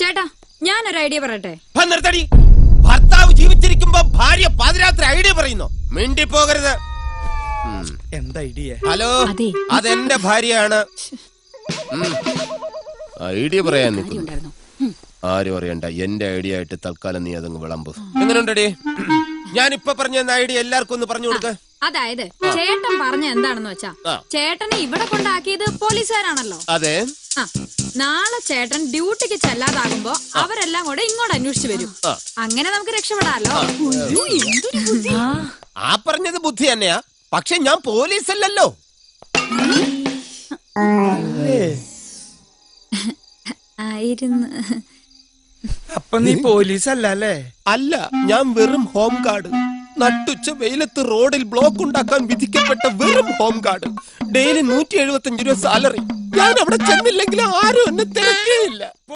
ചേട്ടാ ഞാനൊരു ഐഡിയ പറയട്ടെ. നിർത്തടി. ഭർത്താവ് ജീവിച്ചിരിക്കുമ്പോ ഭാര്യ പാതിരാത്രി ഐഡിയ പറയുന്നു. മിണ്ടി പോകരുത്. എന്താ ഐഡിയ? ഹലോ, അതെന്റെ ഭാര്യയാണ്. ഐഡിയ പറയാൻ നിൽക്കുന്നു. ആരും അറിയണ്ട. എന്റെ ഐഡിയ ആയിട്ട് തൽക്കാലം നീ അതങ്ങ് വിളമ്പ്. എങ്ങനെയുണ്ടടി? ഞാനിപ്പൊ പറഞ്ഞ ഐഡിയ എല്ലാവർക്കും ഒന്ന് പറഞ്ഞു കൊടുക്ക. അതായത് ചേട്ടൻ പറഞ്ഞ എന്താണെന്ന് വെച്ചാ, ചേട്ടനെ ഇവിടെ കൊണ്ടാക്കിയത് പോലീസുകാരാണല്ലോ. അതെ. നാളെ ചേട്ടൻ ഡ്യൂട്ടിക്ക് ചെല്ലാതാകുമ്പോ അവരെല്ലാം കൂടെ ഇങ്ങോട്ട് അന്വേഷിച്ചു വരും. അങ്ങനെ നമുക്ക് രക്ഷപ്പെടാലോ. ആ പറഞ്ഞത് ബുദ്ധി തന്നെയാ. പക്ഷെ ഞാൻ പോലീസ് അല്ലല്ലോ. ആയിരുന്നു. അപ്പൊ നീ പോലീസ് അല്ലേ? അല്ല, ഞാൻ വെറും ഹോം ഗാർഡ്. നട്ടുച്ച വെയിലത്ത് റോഡിൽ ബ്ലോക്ക് ഉണ്ടാക്കാൻ വിധിക്കപ്പെട്ട വെറും ഹോം ഗാർഡ്. ഡെയിലി 175 രൂപ സാലറി. ഞാൻ അവിടെ ചെന്നില്ലെങ്കിൽ ആരും എന്നെ തിരക്കേയില്ല.